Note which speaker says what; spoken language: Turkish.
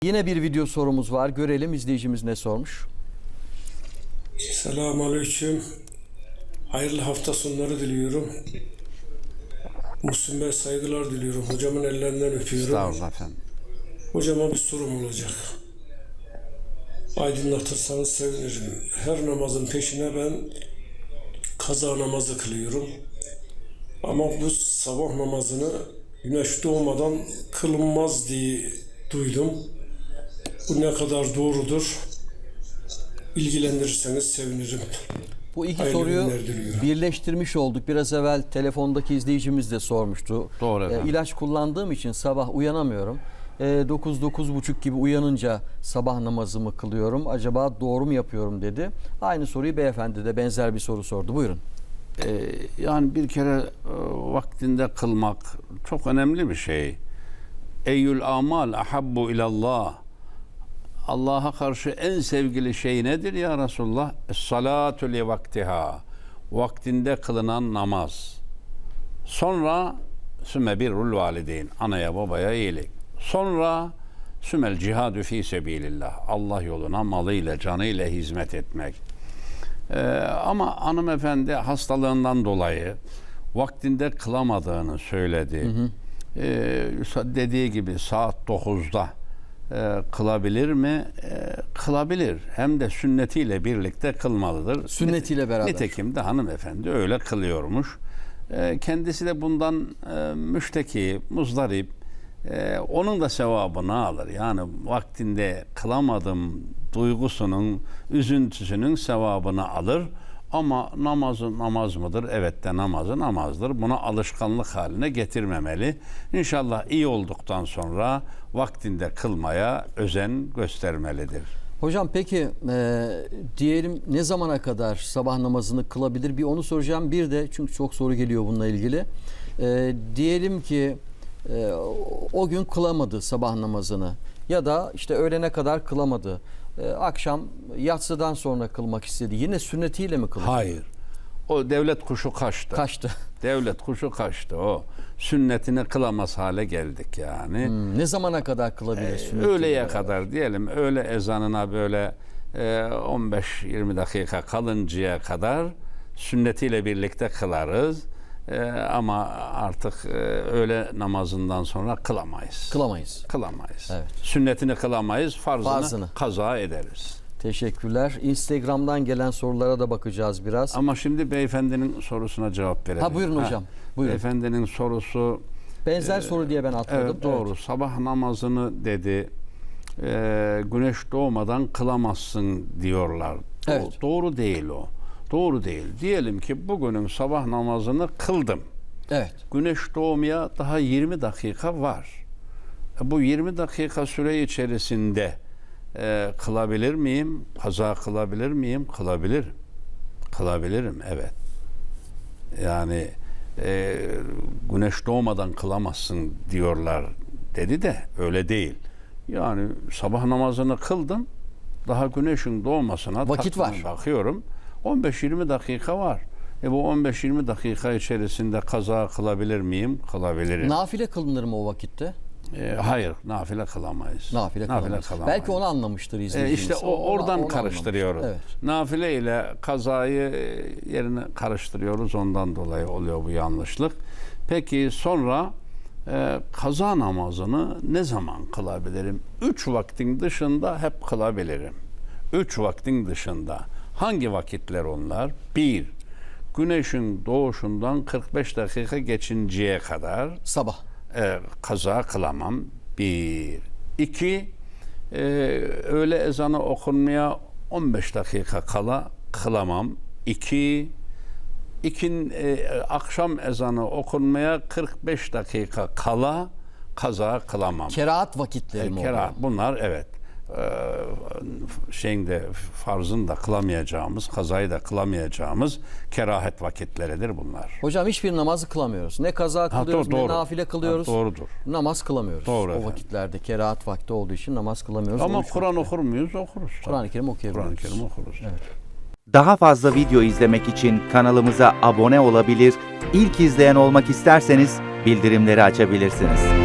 Speaker 1: Yine bir video sorumuz var. Görelim izleyicimiz ne sormuş.
Speaker 2: Selamünaleyküm. Hayırlı hafta sonları diliyorum. Müslüm Bey saygılar diliyorum. Hocamın ellerinden öpüyorum.
Speaker 3: Sağ olun efendim.
Speaker 2: Hocama bir sorum olacak. Aydınlatırsanız sevinirim. Her namazın peşine ben kaza namazı kılıyorum. Ama bu sabah namazını güneş doğmadan kılınmaz diye duydum. Bu ne kadar doğrudur? İlgilendirirseniz sevinirim.
Speaker 1: Bu iki
Speaker 2: Hayırlı
Speaker 1: soruyu
Speaker 2: günler diliyorum.
Speaker 1: birleştirmiş olduk. Biraz evvel telefondaki izleyicimiz de sormuştu.
Speaker 3: Doğru efendim.
Speaker 1: İlaç kullandığım için sabah uyanamıyorum. 9-9.30 gibi uyanınca sabah namazımı kılıyorum. Acaba doğru mu yapıyorum dedi. Aynı soruyu beyefendi de benzer bir soru sordu. Buyurun.
Speaker 3: Yani bir kere vaktinde kılmak çok önemli bir şey. Eyyül amal ahabbu ilallah. Allah'a karşı en sevgili şey nedir ya Resulullah? Es-salatu li vaktiha. Vaktinde kılınan namaz. Sonra sümme birrul valideyn. Anaya babaya iyilik. Sonra sümel cihadu fi sebilillah. Allah yoluna malıyla canıyla hizmet etmek. Ama hanımefendi hastalığından dolayı vaktinde kılamadığını söyledi. Dediği gibi saat 9'da kılabilir mi? Kılabilir. Hem de sünnetiyle birlikte kılmalıdır.
Speaker 1: Sünnetiyle beraber.
Speaker 3: Nitekim de hanımefendi öyle kılıyormuş. Kendisi de bundan müşteki, muzdarip. Onun da sevabını alır. Yani vaktinde kılamadım duygusunun, üzüntüsünün sevabını alır. Ama namazı namaz mıdır? Evet de namazı namazdır. Bunu alışkanlık haline getirmemeli. İnşallah iyi olduktan sonra vaktinde kılmaya özen göstermelidir.
Speaker 1: Hocam peki diyelim ne zamana kadar sabah namazını kılabilir? Bir onu soracağım. Bir de çünkü çok soru geliyor bununla ilgili. Diyelim ki o gün kılamadı sabah namazını ya da işte öğlene kadar kılamadı. Akşam yatsıdan sonra kılmak istedi. Yine sünnetiyle mi kılacak?
Speaker 3: Hayır. O devlet kuşu kaçtı.
Speaker 1: Kaçtı.
Speaker 3: Devlet kuşu kaçtı o. Sünnetini kılamaz hale geldik yani.
Speaker 1: Ne zamana kadar kılabilir sünnetiyle
Speaker 3: Öğleye
Speaker 1: beraber?
Speaker 3: kadar diyelim. Öğle ezanına böyle 15-20 dakika kalıncaya kadar sünnetiyle birlikte kılarız. Ama artık öğle namazından sonra kılamayız.
Speaker 1: Kılamayız.
Speaker 3: Kılamayız.
Speaker 1: Evet.
Speaker 3: Sünnetini kılamayız, farzını kaza ederiz.
Speaker 1: Teşekkürler. Instagram'dan gelen sorulara da bakacağız biraz.
Speaker 3: Ama şimdi beyefendinin sorusuna cevap verelim.
Speaker 1: Ha buyurun hocam. Buyurun.
Speaker 3: Beyefendinin sorusu
Speaker 1: Benzer soru diye ben atladım.
Speaker 3: evet, doğru. Evet. Sabah namazını dedi güneş doğmadan kılamazsın diyorlar.
Speaker 1: Evet.
Speaker 3: Doğru değil o. Doğru değil. Diyelim ki bugünün sabah namazını kıldım.
Speaker 1: Evet.
Speaker 3: Güneş doğmaya daha 20 dakika var. Bu 20 dakika süre içerisinde kılabilir miyim? Kaza kılabilir miyim? Kılabilirim. Kılabilirim, evet. Yani güneş doğmadan kılamazsın diyorlar dedi de öyle değil. Yani sabah namazını kıldım. Daha güneşin doğmasına
Speaker 1: vakit var.
Speaker 3: Bakıyorum. 15-20 dakika var. Bu 15-20 dakika içerisinde kaza kılabilir miyim? Kılabilirim.
Speaker 1: Nafile kılınır mı o vakitte?
Speaker 3: Hayır, nafile kılamayız.
Speaker 1: Nafile kılamayız. Belki onu anlamıştır izleyicimiz.
Speaker 3: İşte oradan karıştırıyoruz.
Speaker 1: Evet.
Speaker 3: Nafile ile kazayı yerine karıştırıyoruz. Ondan dolayı oluyor bu yanlışlık. Peki sonra kaza namazını ne zaman kılabilirim? 3 vaktin dışında hep kılabilirim. 3 vaktin dışında. Hangi vakitler onlar? 1. Güneşin doğuşundan 45 dakika geçinceye kadar
Speaker 1: sabah
Speaker 3: kaza kılamam. 1. 2. Öğle ezanı okunmaya 15 dakika kala kılamam. 2. Akşam ezanı okunmaya 45 dakika kala kaza kılamam.
Speaker 1: Kerahat vakitleri mi oluyor?
Speaker 3: Kerahat. Bunlar evet. Farzın da kılamayacağımız, kazayı da kılamayacağımız kerahet vakitleridir bunlar.
Speaker 1: Hocam hiçbir namazı kılamıyoruz. Ne kaza kılıyoruz, ne nafile kılıyoruz.
Speaker 3: Doğrudur.
Speaker 1: Namaz kılamıyoruz.
Speaker 3: Doğru
Speaker 1: o
Speaker 3: efendim.
Speaker 1: Vakitlerde kerahat vakti olduğu için namaz kılamıyoruz.
Speaker 3: Ama Kur'an okur muyuz? Okuruz.
Speaker 1: Kur'an-ı Kerim okuyabiliriz.
Speaker 3: Kur'an-ı Kerim okuruz.
Speaker 1: Evet.
Speaker 4: Daha fazla video izlemek için kanalımıza abone olabilir, ilk izleyen olmak isterseniz bildirimleri açabilirsiniz.